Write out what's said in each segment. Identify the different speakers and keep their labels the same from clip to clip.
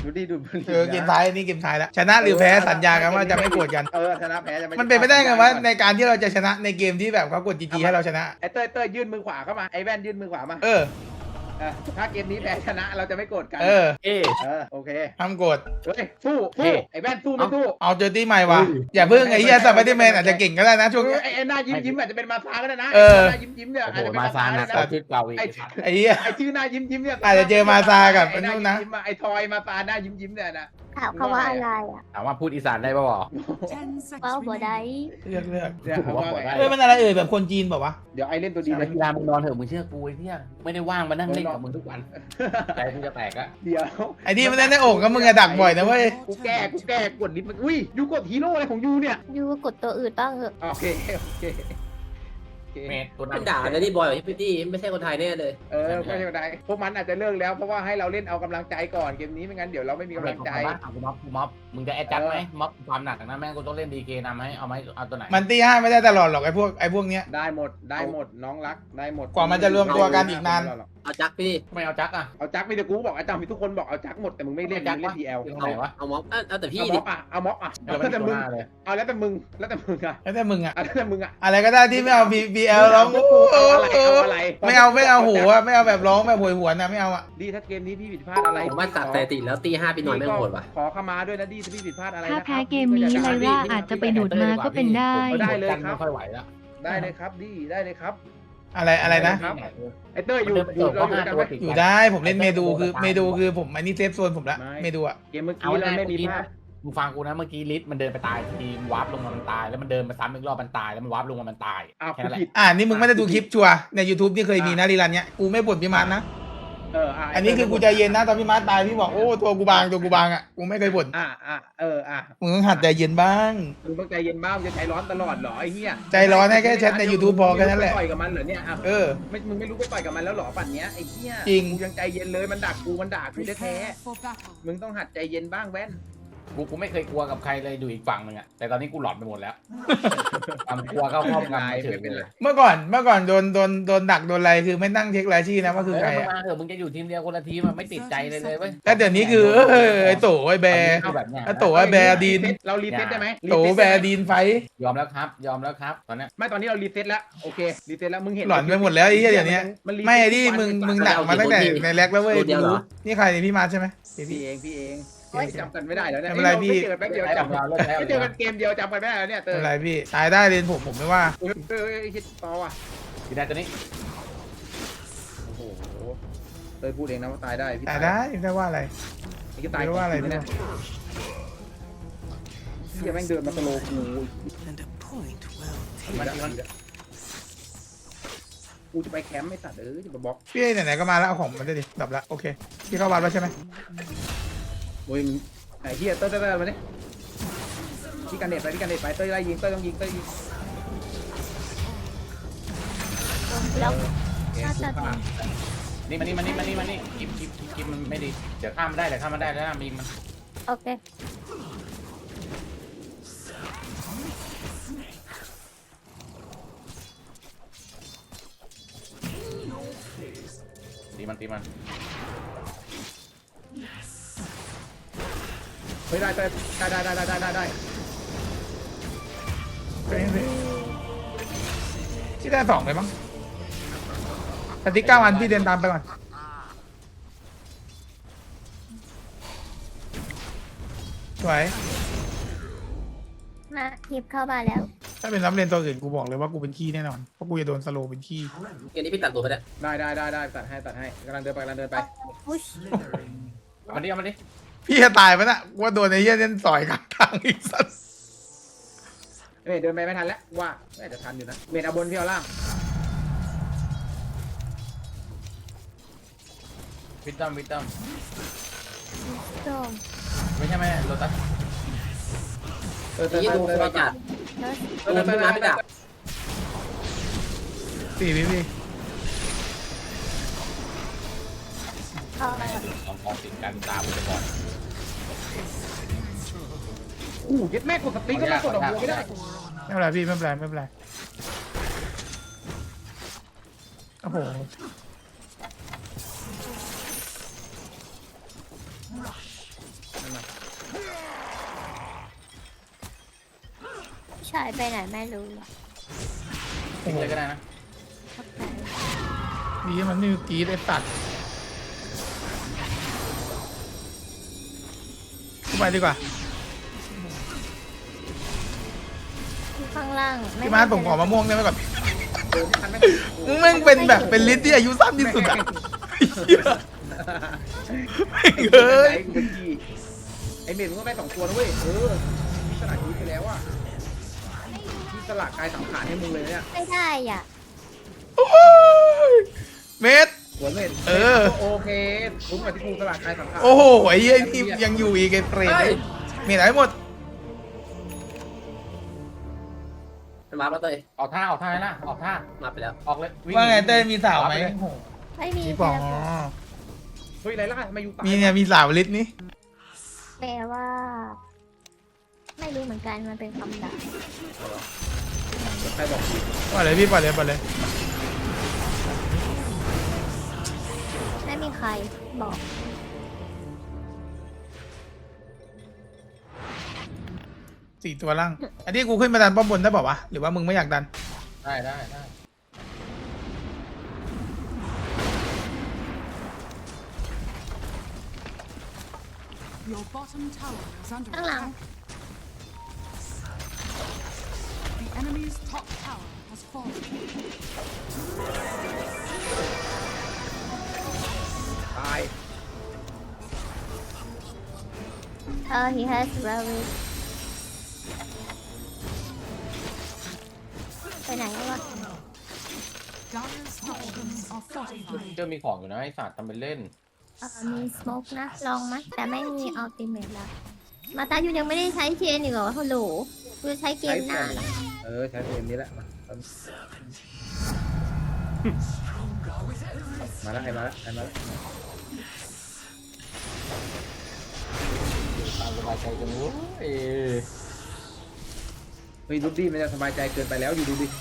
Speaker 1: ดูดิดู
Speaker 2: เกมท้ายนี่เกมท้ายแล้วชนะหรือแพ้สัญญากันว่าจะไม่โกรธกัน
Speaker 1: ชนะแพ้จะ
Speaker 2: มันเป็นไปได้ไงวะในการที่เราจะชนะในเกมที่แบบเขากดจีให้เราชนะ
Speaker 1: ไอ้เต้ยยื่นมือขวาเข้ามาไอ้แว่นยื่นมือขวามาถ้าเกมนี้แพ้ชนะเราจะไม่โกรธกันโอเค
Speaker 2: ห้ามโกรธ
Speaker 1: เฮ้ยสู้ไอ้แว่นสู้ไม่สู้
Speaker 2: เอาเจอตี้ใหม่วะอย่าเพิ่งไอ้เหี้ยสไปเดอร์แมนอาจจะเก่งก็ได้นะช่วงนี้
Speaker 1: ไอ้หน้ายิ้มอาจจะเป็นมาซาก็ได้นะหน้ายิ้มเนี่ยอาจจะเป็น
Speaker 3: มาซานะชื่อเก่าอีก
Speaker 2: ไอ้เหี้ย
Speaker 1: ไอ้ชื่อหน้ายิ้มเนี่ย
Speaker 2: อาจจะเจอมาซากับไอ้นู่นนะ
Speaker 1: ไอ้ทอยมาซาหน้ายิ้มเนี่ยนะ
Speaker 4: ถามเขาว่าอะไรอ่ะ
Speaker 3: ถามว่าพูดอีสานได้ป่าว
Speaker 4: ว่าบ่ได้
Speaker 2: เลือก
Speaker 1: เนี่ย
Speaker 2: มันอะไรแบบคนจีนบอกว่า
Speaker 1: เดี๋ยวไอเล่นตัวดี
Speaker 3: เลยกีฬามึงนอนเถอะมึงเชื่อกูไอ้เนี่ยไม่ได้ว่างมานั่งเล่นกับมึงทุกวันใจมึงจะแตกอะ
Speaker 1: เดี๋ยว
Speaker 2: ไอ้นี่มันเล่นในโอ่งก็มึงจะดักบ่อยนะเว้ย
Speaker 1: กูแก้กดลิฟต์มันอุ้ยยูกดฮีโร่อะไรของยูเนี่ย
Speaker 4: ยูกดตัวอื่นบ้างเหอะ
Speaker 1: โอเค
Speaker 3: เมทตัวนั้
Speaker 5: นด่าเลยนี่บอยพี่ตี้ไม่ใช่คนไทยแน่เลย
Speaker 1: ไม่ใช่คนไทยพวกมันอาจจะเลิกแล้วเพราะว่าให้เราเล่นเอากำลังใจก่อนเกมนี้ไม่งั้นเดี๋ยวเราไม่มีกำลังใจ
Speaker 3: ม็อบมึงจะแอดจัดไหมม็อบความหนักนะแม่งกูต้องเล่นดีเคนำให้เอาไหมเอาตัวไหน
Speaker 2: มันตีห้าไม่ได้ตลอดหรอกไอ้พวกเนี้ย
Speaker 1: ได้หมดน้องรักได้หมด
Speaker 2: กว่ามันจะรวมตัวกันอีกนาน
Speaker 5: เอาจักพี่
Speaker 3: ไม่เอาจักอะ
Speaker 1: เอาจักมีแต่กูบอกอาจารย์มีทุกคนบอกเอาจักหมดแต่มึงไม่เล่นมึงเล่นทีเอล
Speaker 5: เอาม็อบเอาแต่พี่
Speaker 1: เอาม็อบแล้วแต่มึงเอาแล้วแต่มึงอะ
Speaker 2: แล้วแต่มึงอะ
Speaker 1: อะไร
Speaker 2: ก็ได้ที่ไม่เอา BL ร้องไม่เอาหัวไม่เอาแบบร้องแบบหวยหวนนะไม่เอาอ่ะ
Speaker 1: ดีถ้าเกมนี้พี่ผิดพลาดอะไร
Speaker 5: ผมว่าตัดสถิติแล้วตี5ปีนอนไม่โหดว่ะ
Speaker 1: ขอเข้ามาด้วยนะดีถ้าพี่ผิดพลาดอะไร
Speaker 6: ถ้าแพ้เกมนี้ไลล่าอาจจะไปดูดมาก็เป็นได้
Speaker 1: ได้เลยครับ
Speaker 3: ไม่ค่อยไหวแล้ว
Speaker 1: ได้เลยครับดีได้เลยครับ
Speaker 2: อะไรนะ
Speaker 1: ไอเต้ย
Speaker 2: อยู่ได้ผมเล่นเมดูคือผมอันนี้เซฟโซนผมละเมดูอะ
Speaker 1: เกมเมื่อกี้เราไม่มีภาพ
Speaker 3: มึงฟังกูนะเมื่อกี้ลิสมันเดินไปตายทีมวาร์ปลงมามันตายแล้วมันเดินมาซ้ำอีกรอบมันตายแล้วมันวาร์ปลงมามันตาย
Speaker 1: แค่นั้นแหละ
Speaker 2: นี่มึงไม่ได้ดูคลิปชัวใน YouTube ที่เคยมีนะรีรันเนี้ยกูไม่บ่นพี่มาร์ทนะอันนี้คือกูใจเย็นนะตอนพี่มาร์ทตายพี่บอกโอ้ตัวกูบางอ่ะกูไม่เคยบ่นมึงต้องหัดใจเย็นบ้าง
Speaker 1: มึงต้องใจเย็นบ้างจะใจร้อนตลอดเหรอไอ้เหี้ย
Speaker 2: ใจร้อนให้แค่แชทใน YouTube พอแค่นั้นแหละ
Speaker 1: ต่อยกับมันเหรอเนี่ยมึงไม่รู้ไปต่อยกับมันแล้วหรอปั่นเนี้ยไอ้เหี้ย
Speaker 2: จริง
Speaker 1: กูยังใจเย็นเลยมันด่ากูแท้มึงต้องหัดใจเย็นบ้างแว่น
Speaker 3: กูไม่เคยกลัวกับใครเลยดูอีกฝั่งนึงอะแต่ตอนนี้กูหลอนไปหมดแล้วความกลัวเข้าครอบงำเฉยเลย
Speaker 2: เมื่อก่อนโดนดักโดนอะไรคือไม่นั่งเช็ครายชื่อนะว่าคือใคร
Speaker 3: อะมึงจะอยู่ทีมเดียวคนละทีมมันไม่ติดใจเลยเว้ย
Speaker 2: แต่เดี๋ยวนี้คือไอ้โตไอ้แบร์ไอ้โตไอ้แบร์ดีน
Speaker 1: เรารีเซ็ตได้ไหม
Speaker 2: โตแบร์ดีนไฟ
Speaker 3: ยอมแล้วครับตอนนี้
Speaker 1: ไม่ตอนนี้เรารีเซ็ตแล้วโอเครีเซ็ตแล้วมึงเห็น
Speaker 2: หลอนไปหมดแล้วไอ้เหี้ยเดี๋ยวนี้ไม่ดิมึงหนักมาตั้งแต่ในแร็กแล้วเว้ยนี่ใครพี่มาใช่ไหม
Speaker 1: พี่เองจำกันไม่ได้แล้วเนี่ย
Speaker 2: ไม่เป็นไรพี่
Speaker 1: เจอกันแป๊บเดียวไม่เจอกันเกมเดียวจำกันไม่ได้แล้วเนี่ย
Speaker 2: ไม่เป็นไรพี่ตายได้เลยผมไม่ว่า
Speaker 1: คิดต่อว่ะ
Speaker 3: พี่ได้ตัวนี้
Speaker 1: โอ้โหเตยพูดเองนะว่าตายได้
Speaker 2: ตายได้ไม่ว่าอะไร
Speaker 1: พี่ตายว่าอะไรเนี่ยพี่แม่งเดินมาสโลกูกูจะไปแคมป์ไม่ตัดจะมาบล็อก
Speaker 2: พี่ไหนๆก็มาแล้วเอาของมันได้ดิดับละโอเคพี่เข้าบ้านแล้วใช่ไหม
Speaker 1: โอ้ยไอ้เหี้ยเต้ยมาเนี่ยพี่กันเน็ตไปเต้ยไล่ยิงเต้ยต้องยิง
Speaker 4: แล้ว
Speaker 3: นี่มันกิบมันไม่ดีเดี๋ยวข้ามได้แล้วมีมัน
Speaker 4: โอเค
Speaker 3: ตีมัน
Speaker 1: เฮ้ยได้
Speaker 2: ที่ได้2เลยมั้งแต่ที่9 อันพี่เดินตามไปก่อนสวย
Speaker 4: มาทิปเข้ามาแล้ว
Speaker 2: ถ้าเป็นรับเรียนตัวอื่นกูบอกเลยว่ากูเป็นขี้แน่นอนเพราะกูจะโดนสโลเป็นขี้
Speaker 5: เกมนี้พี่ตัดตัวไป
Speaker 1: ได้ตัดให้กำลังเดินไป
Speaker 3: มันดิ
Speaker 2: พี่จะตายไปนะว่าโดนไอ้เหี้ยเล่นสอยกลางทางอีกสัส
Speaker 1: เดินไปไม่ทันแล้วว่าอาจจะทันอยู่นะเมดเอาบนพี่เอาล่าง
Speaker 3: วิตตัมไม่ใช่ไหมโรตัส
Speaker 5: ยี่ดูไปจัดพี่มาพี่ดับ
Speaker 2: พี่
Speaker 3: ของติดกันตามไปก่อน
Speaker 1: ยึดแม่กดสติ๊กก็ไม่กดดอกบัวไม่ได้
Speaker 2: ไม่เป็นไรพี่ไม่เป็นไรโอ้โห
Speaker 4: ชายไปไหนไม่รู้หรอก
Speaker 3: ทิ้งเลยก็ได้นะ
Speaker 4: เข้าใจ
Speaker 2: ดีที่มันนี่กรีดไอ้สัตว์กูไปดีกว่า
Speaker 4: ที่ข้างล่าง
Speaker 2: พี่มาร์ทผมขอมะม่วงได้ไหมก่อน
Speaker 1: เออทันไม่
Speaker 2: มึงแม่งเป็นแบบเป็นลิสต์ที่อายุสั้นที่สุดอะเหี้ยแม่งเอ้ย
Speaker 1: ไอเมดมึงก็ได้2 ตัวนะเว้ยที่สลักชีวิตไปแล้วอ่ะที่สลักกายสังขารให้มึงเลยเนี่ย
Speaker 4: ไม่ได้อ่ะ
Speaker 2: โอ้ยเมด
Speaker 1: หัวเมด
Speaker 2: เออ
Speaker 1: โอเคคุ้มกับที่กูสลักกายสังขาร
Speaker 2: โอ้โหไอ้เหี้ยนี่ยังอยู่อีกไอ้เปรตเมดหายหมด
Speaker 5: มาแล้วเต้ย
Speaker 3: ออกท่านะออกท่า
Speaker 5: มาไปแล้ว
Speaker 3: ออกเลยวิ่
Speaker 2: ว่าไงเต้ยมีสาวไหม
Speaker 4: ไม่มี
Speaker 2: มีปอง
Speaker 1: เฮ้ยไรล่ะทำไมอยู่ตาย
Speaker 2: มีเนี่ยมีสาวลิสต์นี่
Speaker 4: แปลว่า ไม่รู้เหมือนกันมันเป็นคำด่า
Speaker 1: ใครบอก
Speaker 2: ปล่อยเลยพี่ปล่อยเลยปล่อยเลย
Speaker 4: ไม่มีใครบอก
Speaker 2: 4 ตัวล่าง อันนี้กูขึ้นมาดันป้อมบนได้เปล่าวะ หรือว่ามึงไม่อยากดัน
Speaker 3: ได้
Speaker 7: Your bottom tower is under
Speaker 4: ข้างหลัง
Speaker 7: attack. The enemy's top tower has fallen.
Speaker 1: ตาย
Speaker 4: he has rabbit ไปไหนแล้ววะ
Speaker 7: Dyer's structures are fortified.
Speaker 3: เจอมีของอยู่นะไอ้สัตว์ทำเป็นเล่น
Speaker 4: มีสโมกนะ ลองไหมแต่ไม่มีอัลติเมทแล้ว มาตายูยังไม่ได้ใช้เชนอีกเหรอฮัลโหลกูจะใช้เกมหน้าเหรอ
Speaker 1: ใช้เกมนี้แหละมาแล้วไอ้มาแล้ว
Speaker 3: ตามสบายใจกันรู้
Speaker 1: เฮ้ยดูดิมันจะสบายใจเกินไปแล้วอยู่ดูดิ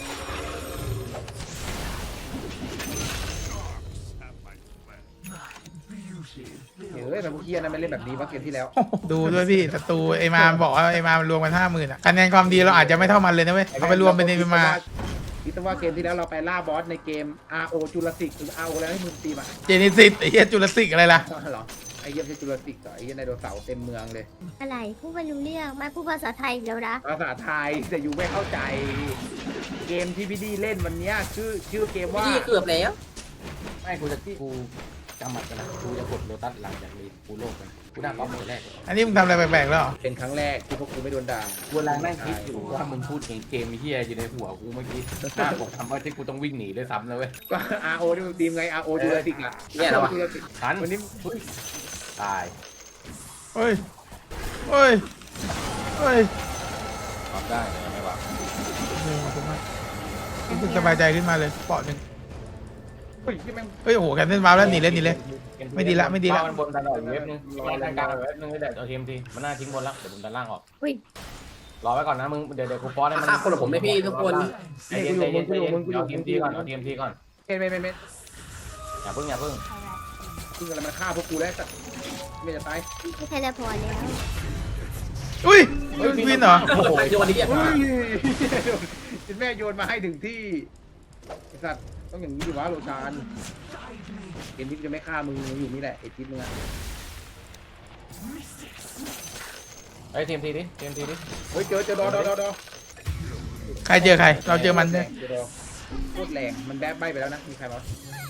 Speaker 1: เฮ้ยแต่พวกเฮียนั้นไม่เล่นแบบนี้ว่าเกมที่แล้ว
Speaker 2: ดูด้วยพี่ศัตรูไอ้มาบอกว่าไอ้มารวมกัน50,000อะคะแนนความดีเราอาจจะไม่เท่ามันเลยนะเว้ยเอาไปรวมเป็นไอ้มา
Speaker 1: คิดว่าเกมที่แล้วเราไปล่าบอสในเกม RO จุลศิษย์หรือ RO แล้วให้มึงตีมา
Speaker 2: เจนิซิสไอ้เหี้ยจุลศิกอะไรล่ะ
Speaker 1: เหรอไอ้เหี้ยไม่ใช่จุลศิษย์เหรอไอ้เหี้ยไดโนเสาร์เต็มเมืองเลย
Speaker 4: อะไรพูดไม่รู้เรื่องไม่พูดภาษาไทยอีกแล้วนะ
Speaker 1: ภาษาไทยแต่อยู่ไม่เข้าใจ เกมที่พี่ดีเล่นวันเนี้ยชื่อเกมว่า
Speaker 5: พี่เกือบแล้ว
Speaker 3: ไม่กูจำหมัดกันนะกูจะกดโลตัสหลังจากรีกูโลกกันกูได้ป๊อปคนแรกเลย
Speaker 2: อันนี้มึงทำอะไรแปลกๆแล้วเหรอ
Speaker 1: เป็นครั้งแรกที่พวกกูไม่โดนด่า
Speaker 3: กูกำลังนั่งคิดอยู่ว่ามึงพูดเกมเฮียอยู่ในหัวกูเมื่อกี้หน้าผมทำว่าที่กูต้องวิ่งหนีด้วยซ้ำนะเว้ย
Speaker 1: ก็ RO ที่มึงทีมไง RO จุลศิษย์อ่ะ
Speaker 5: เนี่ยเหรอวะ
Speaker 1: จุลศิษย์
Speaker 3: ทัน
Speaker 1: วันนี้
Speaker 3: ตาย
Speaker 2: เฮ้ยเฮ้ยเฮ้ย
Speaker 3: ตอบได้เลยไม่ว่า
Speaker 2: ขอบคุณมากรู้สึกสบายใจขึ้นมาเลยเปาะหนึ่ง
Speaker 1: เฮ้ยที่แม่ง
Speaker 2: เฮ้ยโอ้โหแคนเซิลมาแล้วหนีเลย ไม่ดีละ
Speaker 3: มันบนตลอดเว็บนึงรอทางกลางเว็บนึงให้ได้เอาทีมทีมันน่าทิ้งบนแล้วเดี๋ยวผมดันล่างออก
Speaker 4: อุ้ย
Speaker 3: รอไว้ก่อนนะมึงเดี๋ยวกูป้อนให้มัน
Speaker 5: ฆ่าคนของผมไม่พี่ทุกคน
Speaker 3: ใจเย็นเอาทีมทีก่อนเอาทีมทีก่อน
Speaker 1: เไม่
Speaker 3: อย่าเพิ่ง
Speaker 1: ซึ่งอะไรมันฆ่าพวกกูแล้วแต่ไม่จะตาย
Speaker 4: ไม่เทเลพอร์ตแล้ว
Speaker 2: อุ้ยวินเหรอ
Speaker 5: โอ้โหโยนนี้
Speaker 1: เฮ้ยจินแม่โยนมาให้ถึงที่ไอ้สัตว์ต้องอย่างนี้ดิวะโรชานเกมที่จะไม่ฆ่ามึงอยู่นี่แหละไอ้ทิศมึงอะ
Speaker 3: ไอ้ทีมทีดิ
Speaker 1: เฮ้ยเจอดอ
Speaker 2: ใครเจอใคร เราเจอมันด้วย
Speaker 1: เจอดอโคตรแรงมันแบ๊บใบไปแล้วนะมีใครมั้ย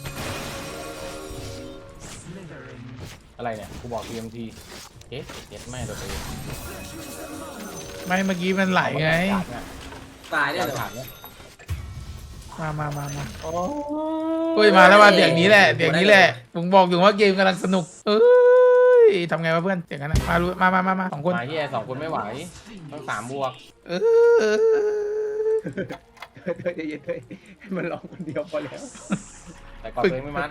Speaker 3: อะไรเนี่ยกูบอกทีมทีเอ๊ะเย็ดแม่ตัวเอง
Speaker 2: ไม่เมื่อกี้มันไหลไง
Speaker 5: ตายได้เลย
Speaker 3: ขาดเนี่ย
Speaker 2: มาเฮ้ยมาแล้วมาเสียงนี้แหละผมบอกอยู่ว่าเกมกำลังสนุกเอ้ยทำไงวะเพื่อนเสียงกันนะมา2 คน
Speaker 3: มาเฮีย2 คนไม่ไหวต้อง3 บวก
Speaker 2: เออ
Speaker 1: เธอใจเย็นเฮ้ยให้มันร้องคนเดียวพอแล้ว
Speaker 3: แต่ก่อนตัวเองไม่มัด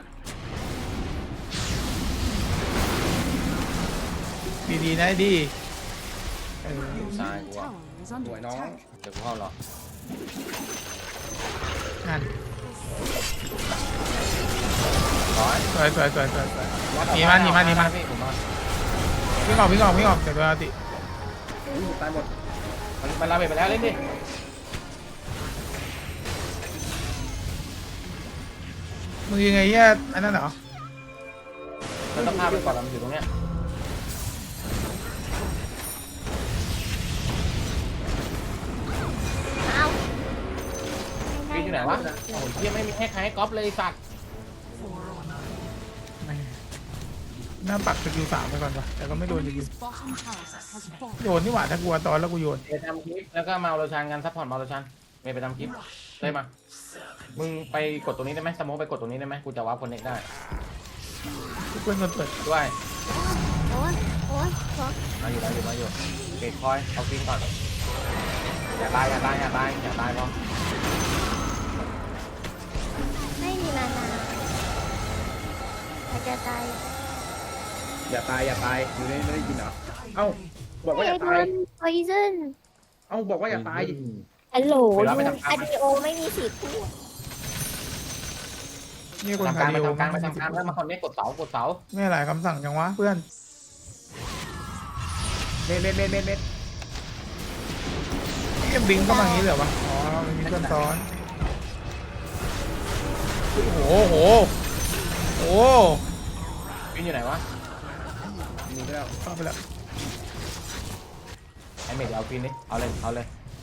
Speaker 2: ดีๆนะดี
Speaker 3: ตายกู
Speaker 7: Tower is under
Speaker 1: Ủa, nó-
Speaker 7: attack.
Speaker 3: เดี๋ยวกูเข้าหรอก
Speaker 2: นั่น
Speaker 3: ร้อย
Speaker 2: สวยหนีมัน
Speaker 3: พี่ผมมา
Speaker 2: วิ่งออกเดี๋ยวตัวติ
Speaker 1: ตายหมด
Speaker 3: มันลาเบะไปแล้วเล่นดิ
Speaker 2: มึงยังไงเนี่ยอันนั้นเหรอ
Speaker 3: มันต้องพาไปก่อนมันอยู่ตรงเนี้ย
Speaker 4: เอา
Speaker 3: พี่อยู่ไหนวะโอ้ยเหี้ยไม่มีให้ใครให้ก๊อปเลยสัตว์
Speaker 2: หน้าปักสกิล3ไปก่อนวะแต่ก็ไม่โดนจริง
Speaker 7: Enemy's bottom tower has fallen.
Speaker 2: โยนนี่หว่าถ้ากลัวตอนแล้วกูโยน
Speaker 3: ไปทำคลิปแล้วก็มาเอาโรชันกันซัพพอร์ตมาเอาโรชันไปทำคลิปได้มามึงไปกดตรงนี้ได้ไหมสโมกไปกดตรงนี้ได้ไหมกูจะวาร์ปคอนเนคได้
Speaker 2: เพื่อนมันเปิด
Speaker 3: ด้วย
Speaker 4: โอ๊ยโอ๊ยโอ๊ย
Speaker 3: มาอยู่เกตคอยเอาฟินก่อนอย่าตายพอ
Speaker 4: ไม่มีมานาอาจจะตาย
Speaker 1: อย่าตายอยู่นี่ไม่ได้ยินเหรอเอ้าบอกว่าอย่า
Speaker 4: โด
Speaker 1: ตาย
Speaker 4: น poison
Speaker 1: เอ้าบอกว่าอย่าตาย
Speaker 4: ฮัลโหล
Speaker 3: เวลาไป
Speaker 4: ยู
Speaker 3: ทำการ
Speaker 4: อดีโอไม่มีสิทธิ์พูด
Speaker 2: นี่คน
Speaker 3: ทำ
Speaker 2: คา
Speaker 3: การ
Speaker 2: เดียว
Speaker 3: ไปทำการแล้วมาคอนเนคกดเสา
Speaker 2: ไม่หลายคำสั่งจังวะเพื่อน
Speaker 1: เม็ด
Speaker 2: ยังบิงเข้ามาอย่างนี้เหรอวะอ๋อมันมีเพื่อนซ้อนโอ้โหโอ้โห
Speaker 3: ฟินอยู่ไหนวะ
Speaker 1: มีแล้ว
Speaker 2: เข้าไปแล้ว
Speaker 3: ไอเมดเอาฟินดิเอาเลย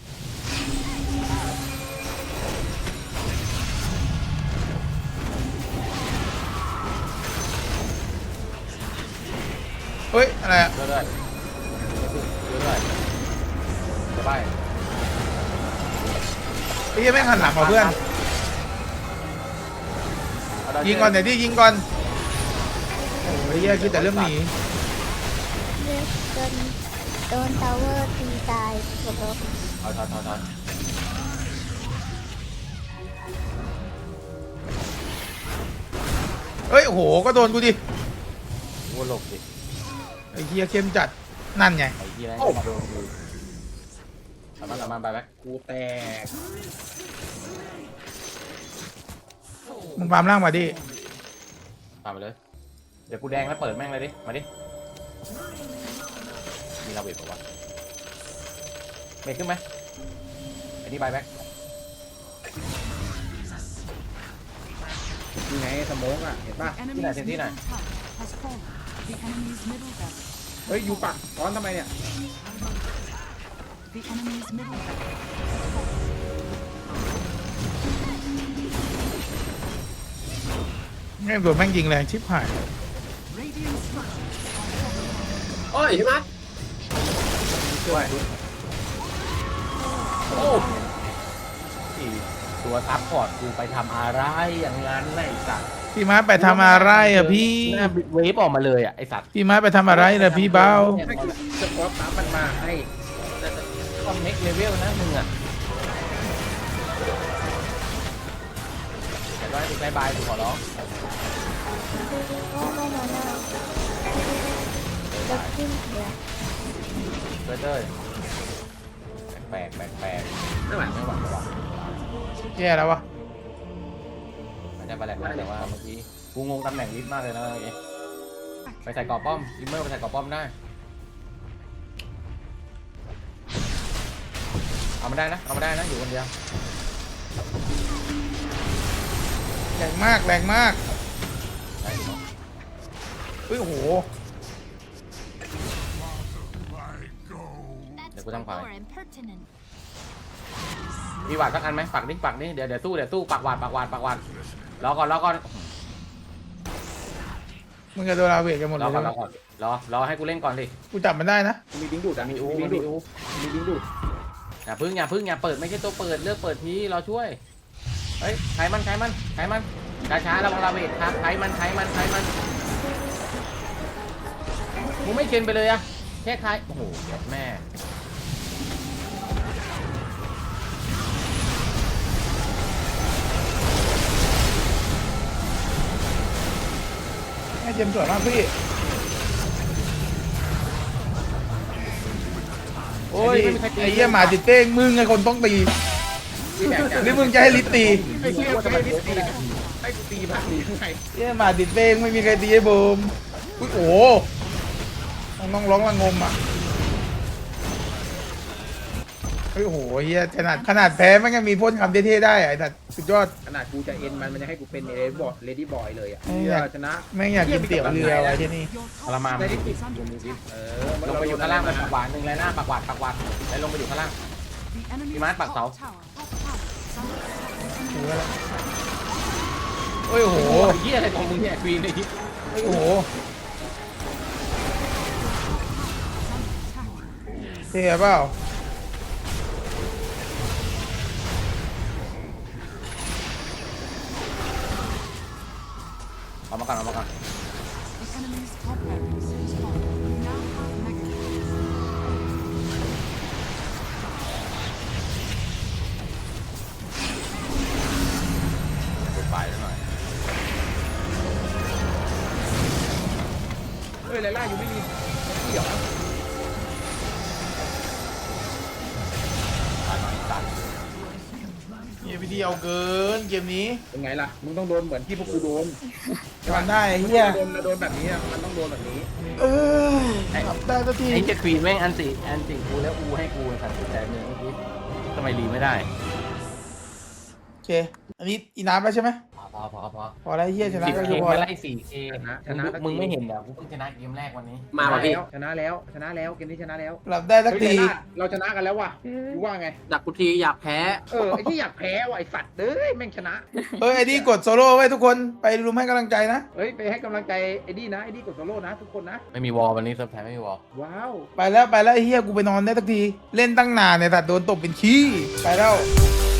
Speaker 2: เฮ้ยอะไรอะ
Speaker 3: เรื่อยจะไป
Speaker 2: ไอ้เหี้ยังไม่หันหลังเหรอเพื่อนยิงก่อนเดี๋ยวที่ยิงก่อนโอ้ยเหี้ยคิดแต่เรื่องหนี
Speaker 4: เลือดโดนทาวเวอร์ตีตายจบแล้ว
Speaker 3: ถอย
Speaker 2: เฮ้ยโอ้โหก็โดนกูดิ
Speaker 3: วัวหลบดิ
Speaker 2: ไอ้เหี้ยเข้มจัดนั่นไง
Speaker 3: ไอ้ที่นั่นมาโดนกูสามารถไปแบ็ค
Speaker 1: กูแตก
Speaker 2: มึงฟาร์มล่างมาดิ
Speaker 3: ตามไปเลย เดี๋ยวกูแดงแล้วเปิดแม่งเลยดิ มาดิ มีลาเวทป่าวะเมทขึ้นไหมไอ้นี่ไปแบ็ค
Speaker 1: ยังไงสโมองอ่ะเห็นป่ะ
Speaker 7: Enemy's middle tower has fallen. The enemy's middle barracks.
Speaker 1: เฮ้ยอยู่ปักซ้อนทำไมเนี่ย
Speaker 7: The enemy's middle barracks.
Speaker 2: แม่งโดนแม่งยิงแรงชิบหาย
Speaker 7: Radiant structures are falling.
Speaker 5: โอ้ยพี่มัด
Speaker 1: ช่วย
Speaker 3: โอ้ที่ตัวซับพอร์ตกูไปทำอะไรอย่างนั้นไอ้สัตว์
Speaker 2: พี่ม้าไปทำอะไรอ่ะพี่
Speaker 3: หน้าเวฟออกมาเลยอ่ะไอ้สัตว์
Speaker 2: พี่ม้าไปทำอะไรล่ะพี่เบ้า
Speaker 1: ให้สปอร์ตตามมันมาให้
Speaker 3: คอมเน็กเลเวลนะมึงอ่ะแต่ว่าติดบายกูขอร้อง
Speaker 4: โอ้ไม่มานาจะขึ้นเดี๋ยว
Speaker 3: เต้ยแปลก
Speaker 1: ไม่ไหว
Speaker 3: ไม่หวัง
Speaker 2: แย่แล้ววะ
Speaker 3: มันจะไปแหลกแต่ว่าเมื่อกี้กูงงตำแหน่งลิฟต์มากเลยนะเมื่อกี้ไปใส่กรอบป้อมลิมเมอร์ไปใส่กรอบป้อมได้เอามาได้นะอยู่คนเดียว
Speaker 2: แรงมากแรงมาก
Speaker 3: ได้อยู่เนอะ
Speaker 2: เฮ้ยโอ้โห
Speaker 3: เดี๋ยวกูทำขวามีหวาดสักอันไหมปักดิเดี๋ยวสู้ปักหวาดรอก่อน
Speaker 2: มึงจะโดนอาเวทกันหมดเลยนะ
Speaker 3: รอให้กูเล่นก่อนดิ
Speaker 2: กูจับมันได้นะ
Speaker 1: มีดิ้งดูดอ่ะมีดิ้งดูด
Speaker 3: อย่าพึ่งอย่าเปิดไม่ใช่ตัวเปิดเลือกเปิดทีรอช่วยเฮ้ยใครมันช้าระวังลาเวทครับใครมันมึงไม่เชนไปเลยอะแค่ใครโอ้โหเดี๋ยวแม่
Speaker 2: แม่เจมส์สวยมากพี่โอ้ยไอ้เหี้ยหมาติดเต้งมึงไงคนต้องตีหรือมึงจะให้ลิตตี
Speaker 1: ไอ้เหี้ยให้ลิสตีให้กูตีบ้างดียังไง
Speaker 2: เหี้ยหมาติดเต้งไม่มีใครตีไอ้บูมอุ้ยโอ้โหน้องร้องระงมอ่ะเฮ้ยโอ้โหเฮียขนาดแพ้มันยังมีพ่นคำเท่ๆได้อะไอ้สัตว์สุดยอด
Speaker 1: ขนาดกูจะเอ็นมันยังให้กูเป็นเลดี้บอยเลยอ่ะ
Speaker 2: เออ
Speaker 1: เหี้ยชนะ
Speaker 2: แม่งอยากกินเตี๋ยวเรือไว้ที่นี่
Speaker 3: ทรมาน
Speaker 1: ได้
Speaker 3: มัน
Speaker 1: ที่
Speaker 3: ดิ
Speaker 1: ติด
Speaker 7: is under
Speaker 1: เอ
Speaker 7: attack.
Speaker 1: อ
Speaker 3: ลงไปอยู่ข้างล่างไปปากหวานหนึ่งเลยหน้าปากหวานไปลงไปอยู่ข้างล่าง
Speaker 7: The enemy's
Speaker 3: Mát bạc
Speaker 7: top
Speaker 3: tàu.
Speaker 7: tower is under attack.
Speaker 2: ถือว่าโอ้ยโอ้โห
Speaker 3: โอ้ยเหี้ยอะไรของมึงเนี่ยควีนไอ้ที่
Speaker 2: โอ้โหเท่เปล่า
Speaker 3: เอามาก่อนเอามาก่อน
Speaker 7: The enemy's top barracks has fallen. We now have mega kills.
Speaker 3: เปิดไฟแล้วหน่อย
Speaker 1: เฮ้ยไลล่าอยู่ไม่มีเดี๋ยว
Speaker 3: ตายหน่อยตัด
Speaker 2: เฮียพี่ดีเอาเกินเกมนี้
Speaker 1: เป็นไงล่ะมึงต้องโดนเหมือนที่พวกกูโดน
Speaker 2: ทำได้ไอ้เฮีย
Speaker 1: โดนแบบนี้อะมันต้องโดนแบบนี้
Speaker 2: เออทำได้สักที
Speaker 3: ไอ้เจ้าควีนแม่งอันติกูแล้วอูให้กูสั่นสุดใจเมืองเมื่อกี้ทำไมรีไม่ได้
Speaker 2: โอเค อันนี้อีน้ำแล้วใช่ไหม
Speaker 3: พอ
Speaker 2: พอแล้วไอ้เฮียชนะ
Speaker 3: 10
Speaker 2: ก็
Speaker 3: เก
Speaker 2: คือ
Speaker 3: ม
Speaker 2: พอ
Speaker 3: ไม่
Speaker 2: แล้ว
Speaker 3: ไล่4 เกม
Speaker 1: ชนะ
Speaker 3: มึงไม่เห็นเหรอกูเพิ่งชนะเกมแรกวันนี้
Speaker 5: มาว่ะพี่
Speaker 1: ชนะแล้วเกมนี้ชนะแล้ว
Speaker 2: หลับได้สัก
Speaker 1: เฮ้ย
Speaker 2: ที
Speaker 1: ไลล่าเราชนะกันแล้วว่ะกูว่าไง
Speaker 5: ดักกูทีอยากแพ้
Speaker 1: ไอ้ที่อยากแพ้ว่ะไอ้สัตว์เอ้ยแม่งชนะ
Speaker 2: เฮ้ยไอ้ดีกดโซโล่ไว้ทุกคนไปรุมให้กำลังใจนะ
Speaker 1: เฮ้ยไปให้กำลังใจไอ้ดี้นะไอ้ดี้กดโซโล่นะทุกคนนะ
Speaker 3: ไม่มีวอลวันนี้เซิร์ฟแพ้ไม่มีวอล
Speaker 1: ว้าว
Speaker 2: ไปแล้วไอ้เฮียกูไปนอนได้สักที เล่นตั้งนานเนี่ยแต่โดนตบเป็นขี้ ไปแล้ว
Speaker 7: The